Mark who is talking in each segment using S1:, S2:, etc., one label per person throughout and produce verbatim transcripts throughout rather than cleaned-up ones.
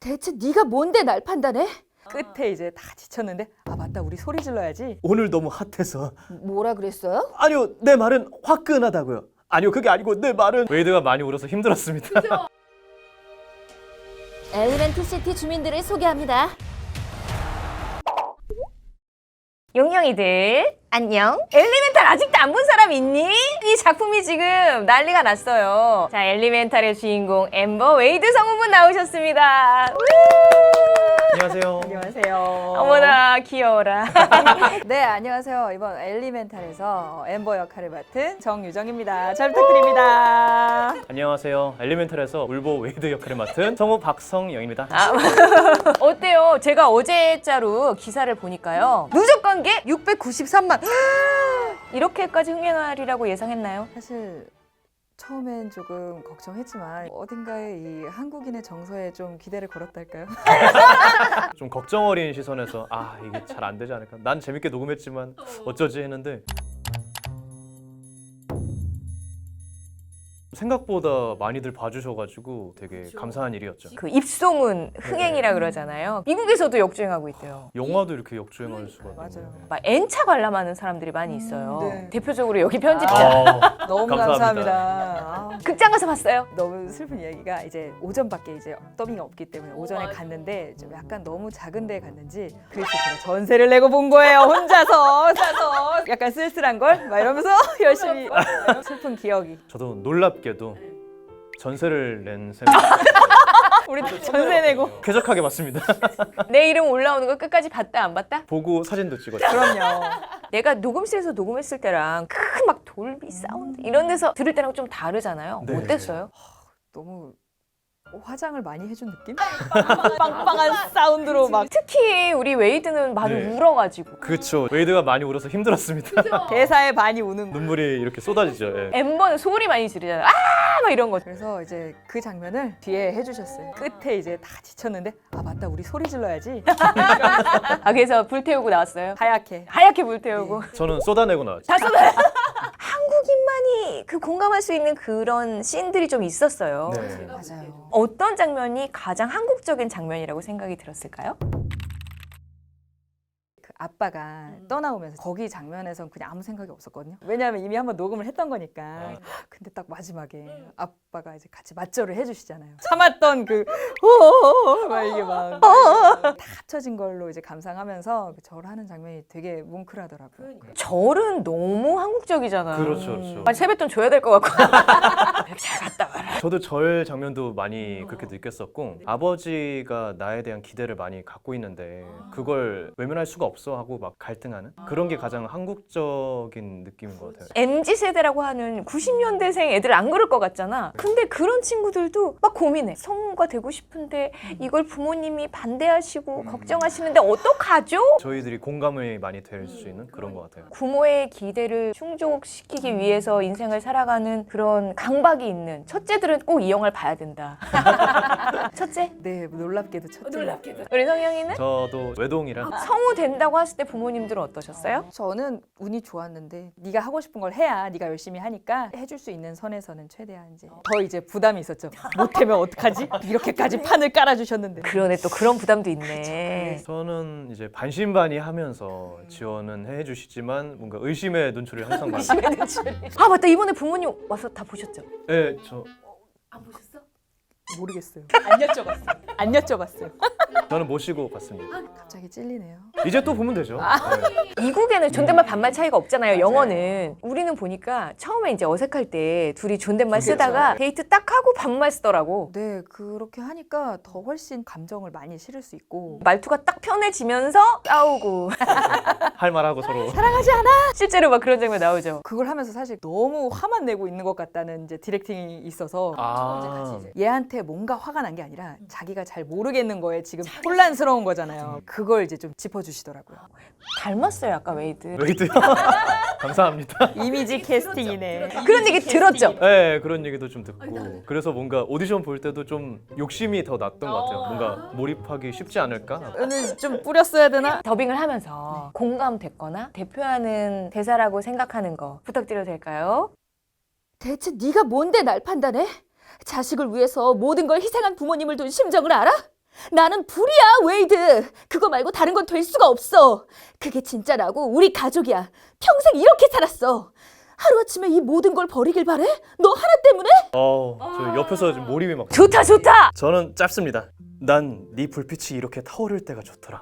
S1: 대체 네가 뭔데 날 판단해? 끝에 이제 다 지쳤는데 아 맞다 우리 소리 질러야지.
S2: 오늘 너무 핫해서.
S1: 뭐라 그랬어요?
S2: 아니요, 내 말은 화끈하다고요. 아니요, 그게 아니고 내 말은 웨이드가 많이 울어서 힘들었습니다.
S1: 엘리멘트 시티 주민들을 소개합니다.
S3: 용영이들 안녕. 엘리멘탈 아직도 안 본 사람 있니? 이 작품이 지금 난리가 났어요. 자, 엘리멘탈의 주인공 엠버 웨이드 성우분 나오셨습니다.
S2: 안녕하세요.
S1: 안녕하세요.
S3: 어머나 귀여워라.
S1: 네 안녕하세요. 이번 엘리멘탈에서 엠버 역할을 맡은 정유정입니다. 잘 부탁드립니다.
S2: 안녕하세요. 엘리멘탈에서 울보 웨이드 역할을 맡은 성우 박성영입니다.
S3: 아, 어때요? 제가 어제자로 기사를 보니까요. 누적 관계 육백구십삼만. 이렇게까지 흥행하리라고 예상했나요?
S1: 사실 처음엔 조금 걱정했지만 어딘가에 이 한국인의 정서에 좀 기대를 걸었달까요?
S2: 좀 걱정 어린 시선에서 아 이게 잘 안 되지 않을까. 난 재밌게 녹음했지만 어쩌지 했는데 생각보다 많이들 봐주셔가지고 되게 감사한 일이었죠.
S3: 그 입소문 흥행이라 그러잖아요. 미국에서도 역주행하고 있대요.
S2: 영화도 이렇게 역주행할 수가
S1: 맞아요.
S2: 있네요.
S3: 막 N차 관람하는 사람들이 많이 있어요.
S1: 음, 네.
S3: 대표적으로 여기 편집자.
S2: 아,
S1: 너무
S2: 감사합니다.
S1: 감사합니다. 아,
S3: 극장 가서 봤어요?
S1: 너무 슬픈 이야기가 이제 오전밖에 이제 더빙이 없기 때문에 오전에 갔는데 좀 약간 너무 작은 데에 갔는지 그래서 제가 전세를 내고 본 거예요. 혼자서 혼자서 약간 쓸쓸한 걸 막 이러면서 열심히 슬픈 기억이.
S2: 저도 놀랍게도 전세를 낸 셈.
S1: 우리 전세 내고.
S2: 쾌적하게 봤습니다.
S3: 내 이름 올라오는 거 끝까지 봤다 안 봤다?
S2: 보고 사진도 찍었죠.
S1: 그럼요.
S3: 내가 녹음실에서 녹음했을 때랑 큰 막 돌비 사운드 이런 데서 들을 때랑 좀 다르잖아요.
S2: 네.
S3: 어땠어요?
S1: 너무 화장을 많이 해준 느낌? 빵빵한 사운드로 막
S3: 특히 우리 웨이드는 많이
S2: 네.
S3: 울어가지고
S2: 그렇죠. 웨이드가 많이 울어서 힘들었습니다.
S1: 대사에 많이 우는 거.
S2: 눈물이 이렇게 쏟아지죠. 예.
S3: 엠버는 소리 많이 지르잖아요. 아! 막 이런 거.
S1: 그래서 이제 그 장면을 뒤에 해주셨어요. 끝에 이제 다 지쳤는데 아 맞다 우리 소리 질러야지.
S3: 아, 그래서 불태우고 나왔어요.
S1: 하얗게.
S3: 하얗게 불태우고.
S2: 저는 쏟아내고 나왔죠.
S3: 다 쏟아요. 한국인만이 그 공감할 수 있는 그런 씬들이 좀 있었어요.
S2: 네.
S1: 맞아요.
S3: 어떤 장면이 가장 한국적인 장면이라고 생각이 들었을까요?
S1: 그 아빠가 떠나오면서 거기 장면에선 그냥 아무 생각이 없었거든요. 왜냐하면 이미 한번 녹음을 했던 거니까. 근데 딱 마지막에 아빠가 이제 같이 맞절을 해주시잖아요. 참았던 그 호호호 막 이게 막 다 합쳐진 걸로 이제 감상하면서 그 절하는 장면이 되게 뭉클하더라고요.
S3: 절은 너무 한국적이잖아요.
S2: 그렇죠, 그렇죠.
S3: 아, 세뱃돈 줘야 될 것 같고. 잘 갔다 와라.
S2: 저도 절 장면도 많이 그렇게 느꼈었고 아버지가 나에 대한 기대를 많이 갖고 있는데 그걸 외면할 수가 없어 하고 막 갈등하는 그런 게 가장 한국적인 느낌인 것 같아요.
S3: 엠지 세대라고 하는 구십 년대생 애들 안 그럴 것 같잖아. 근데 그런 친구들도 막 고민해. 성우가 되고 싶은데 이걸 부모님이 반대하시고 걱정하시는데 어떡하죠?
S2: 저희들이 공감이 많이 될 수 있는 그런 것 같아요.
S3: 부모의 기대를 충족시키기 위해서 인생을 살아가는 그런 강박이 있는 첫째들은 꼭 이 영화를 봐야 된다. 첫째?
S1: 네 놀랍게도 첫째.
S3: 우리 성영이는?
S2: 저도 외동이라
S3: 성우 된다고 했을 때 부모님들은 어떠셨어요?
S1: 저는 운이 좋았는데 네가 하고 싶은 걸 해야 네가 열심히 하니까 해줄 수 있는 선에서는 최대한 이제 더 이제 부담이 있었죠. 못하면 어떡하지? 이렇게까지 판을 깔아주셨는데.
S3: 그러네, 또 그런 부담도 있네.
S2: 저는 이제 반신반의하면서 지원은 해주시지만 뭔가 의심의 눈초리를 항상 받는.
S3: 아, 맞다. 이번에 부모님 와서 다 보셨죠?
S2: 네, 저
S1: 모르겠어요. 안 여쭤봤어요. 안 여쭤봤어요.
S2: 저는 모시고 갔습니다.
S1: 갑자기 찔리네요.
S2: 이제 또 보면 되죠. 네.
S3: 미국에는 존댓말 반말 차이가 없잖아요. 영어는. 우리는 보니까 처음에 이제 어색할 때 둘이 존댓말 쓰다가 데이트 딱 하고 반말 쓰더라고.
S1: 네 그렇게 하니까 더 훨씬 감정을 많이 실을 수 있고.
S3: 말투가 딱 편해지면서 싸우고
S2: 할 말하고 서로.
S1: 사랑하지 않아?
S3: 실제로 막 그런 장면 나오죠.
S1: 그걸 하면서 사실 너무 화만 내고 있는 것 같다는 이제 디렉팅이 있어서
S2: 아,
S1: 얘한테 뭔가 화가 난 게 아니라 자기가 잘 모르겠는 거에 지금 혼란스러운 거잖아요. 그걸 이제 좀 짚어주시더라고요.
S3: 닮았어요, 아까 웨이드.
S2: 웨이드요. 감사합니다.
S1: 이미지 캐스팅이네.
S3: 그런 얘기 들었죠?
S2: 네, 그런 얘기도 좀 듣고 그래서 뭔가 오디션 볼 때도 좀 욕심이 더 났던 것 같아요. 뭔가 몰입하기 쉽지 않을까?
S1: 오늘 좀 뿌렸어야 되나?
S3: 더빙을 하면서 공감됐거나 대표하는 대사라고 생각하는 거 부탁드려도 될까요?
S1: 대체 네가 뭔데 날 판단해? 자식을 위해서 모든 걸 희생한 부모님을 둔 심정을 알아?
S4: 나는 불이야, 웨이드. 그거 말고 다른 건 될 수가 없어. 그게 진짜 나고 우리 가족이야. 평생 이렇게 살았어. 하루아침에 이 모든 걸 버리길 바래? 너 하나 때문에?
S2: 어, 저 옆에서 지금 몰입이 막.
S3: 좋다 좋다.
S2: 저는 짧습니다. 난 네 불빛이 이렇게 타오를 때가 좋더라.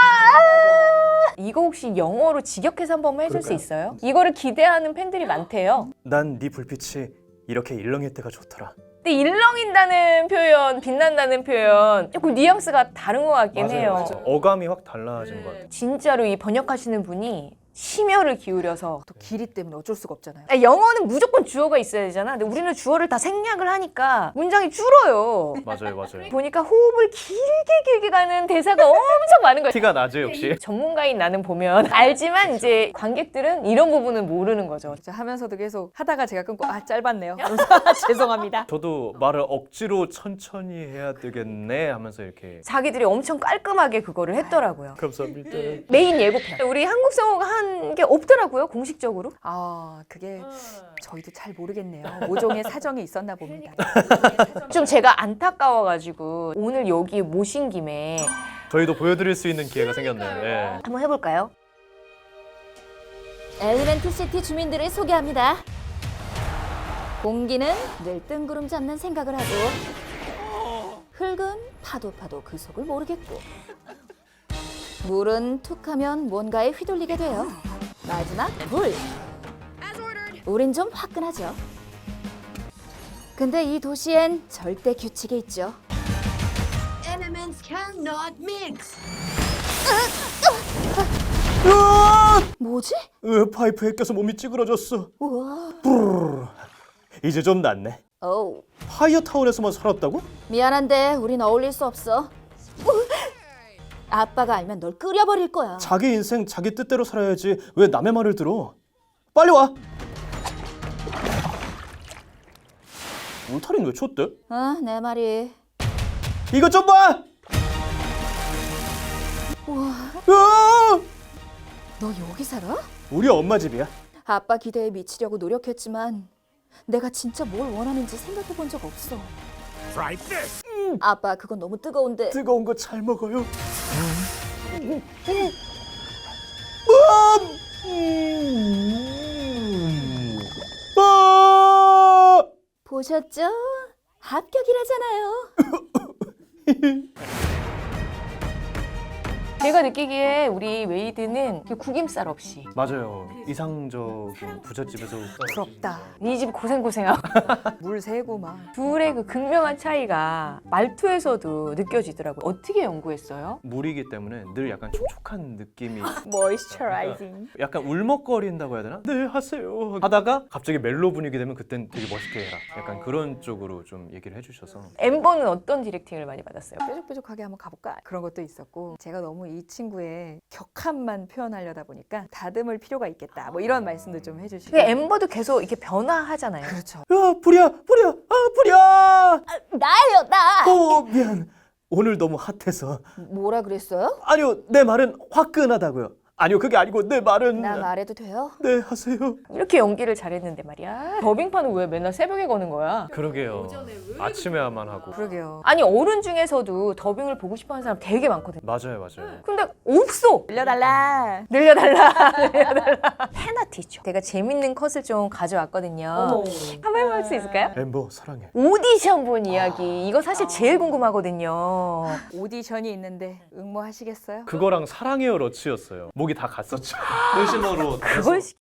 S3: 이거 혹시 영어로 직역해서 한 번만 해줄 수
S2: 그럴까요?
S3: 있어요? 이거를 기대하는 팬들이 많대요.
S2: 난 네 불빛이 이렇게 일렁일 때가 좋더라.
S3: 근데 일렁인다는 표현, 빛난다는 표현 조금 뉘앙스가 다른 것 같긴 해요.
S2: 어감이 확 달라진 것 같아요.
S3: 진짜로 이 번역하시는 분이 심혈을 기울여서
S1: 또 길이 때문에 어쩔 수가 없잖아요.
S3: 아니, 영어는 무조건 주어가 있어야 되잖아. 근데 우리는 주어를 다 생략을 하니까 문장이 줄어요.
S2: 맞아요, 맞아요.
S3: 보니까 호흡을 길게 길게 가는 대사가 엄청 많은 거예요.
S2: 티가 나죠, 역시.
S3: 전문가인 나는 보면 알지만 이제 관객들은 이런 부분은 모르는 거죠.
S1: 진짜 하면서도 계속 하다가 제가 끊고 아 짧았네요. 그러면서 죄송합니다.
S2: 저도 말을 억지로 천천히 해야 되겠네 하면서 이렇게.
S3: 자기들이 엄청 깔끔하게 그거를 했더라고요.
S2: 감사합니다.
S3: 메인 예고편. 우리 한국 성우가 한 게 없더라고요, 공식적으로.
S1: 아 그게 저희도 잘 모르겠네요. 모종의 사정이 있었나 봅니다.
S3: 좀 제가 안타까워가지고 오늘 여기 모신 김에
S2: 저희도 보여드릴 수 있는 기회가 생겼네요. 예.
S3: 한번 해볼까요?
S4: 엘리멘트 시티 주민들을 소개합니다. 공기는 늘 뜬구름 잡는 생각을 하고, 흙은 파도 파도 그 속을 모르겠고, 물은 툭하면 뭔가에 휘둘리게 돼요. 마지막 물. 우린 좀 화끈하죠. 근데 이 도시엔 절대 규칙이 있죠.
S5: Elements cannot mix.
S4: 뭐지?
S2: 으, 파이프에 껴서 몸이 찌그러졌어.
S4: 우와.
S2: 브르르. 이제 좀 낫네.
S4: 어우,
S2: 파이어타운에서만 살았다고?
S4: 미안한데 우린 어울릴 수 없어. 아빠가 알면 널 끓여버릴 거야.
S2: 자기 인생 자기 뜻대로 살아야지 왜 남의 말을 들어? 빨리 와. 울타리는 왜 쳤대?
S4: 어, 내 말이.
S2: 이것 좀 봐.
S4: 우와,
S2: 으아!
S4: 너 여기 살아?
S2: 우리 엄마 집이야.
S4: 아빠 기대에 미치려고 노력했지만 내가 진짜 뭘 원하는지 생각해 본 적 없어. 음, 아빠 그건 너무 뜨거운데.
S2: 뜨거운 거 잘 먹어요. 아!
S4: 보셨죠? 합격이라잖아요.
S3: 제가 느끼기에 우리 웨이드는 그 구김살 없이
S2: 맞아요. 이상적인 부잣집에서
S1: 부럽다.
S3: 이 집 고생고생하고
S1: 물 새고 막.
S3: 둘의 그 극명한 차이가 말투에서도 느껴지더라고요. 어떻게 연구했어요?
S2: 물이기 때문에 늘 약간 촉촉한 느낌이
S1: 모이스처라이징.
S2: 약간 울먹거린다고 해야 되나? 네 하세요 하다가 갑자기 멜로 분위기 되면 그땐 되게 멋있게 해라. 약간 그런 쪽으로 좀 얘기를 해주셔서
S3: 엠버는 어떤 디렉팅을 많이 받았어요?
S1: 뾰족뾰족하게 한번 가볼까? 그런 것도 있었고 제가 너무 이 친구의 격함만 표현하려다 보니까 다듬을 필요가 있겠다. 뭐 이런 말씀도 좀 해주시고.
S3: 근데 엠버도 계속 이렇게 변화하잖아요.
S1: 그렇죠.
S2: 야 불이야 불이야 아 불이야
S4: 나예요, 나.
S2: 어 미안 오늘 너무 핫해서
S4: 뭐라 그랬어요?
S2: 아니요 내 말은 화끈하다고요. 아니요 그게 아니고 내 말은
S4: 나 말해도 돼요?
S2: 네 하세요.
S3: 이렇게 연기를 잘했는데 말이야. 더빙판은 왜 맨날 새벽에 거는 거야?
S2: 그러게요. 아침에만 하고.
S1: 그러게요.
S3: 아니 어른 중에서도 더빙을 보고 싶어하는 사람 되게 많거든.
S2: 맞아요 맞아요.
S3: 근데 없어.
S1: 늘려달라.
S3: 늘려달라. 늘려달라. 페나티죠. 제가 재밌는 컷을 좀 가져왔거든요. 한번 해볼 수 있을까요?
S2: 엠버 사랑해.
S3: 오디션 본 이야기. 이거 사실 제일 궁금하거든요.
S1: 오디션이 있는데 응모하시겠어요?
S2: 그거랑 사랑해요 러치였어요. 목이 다 갔었죠. 일신호로
S3: 그걸 시...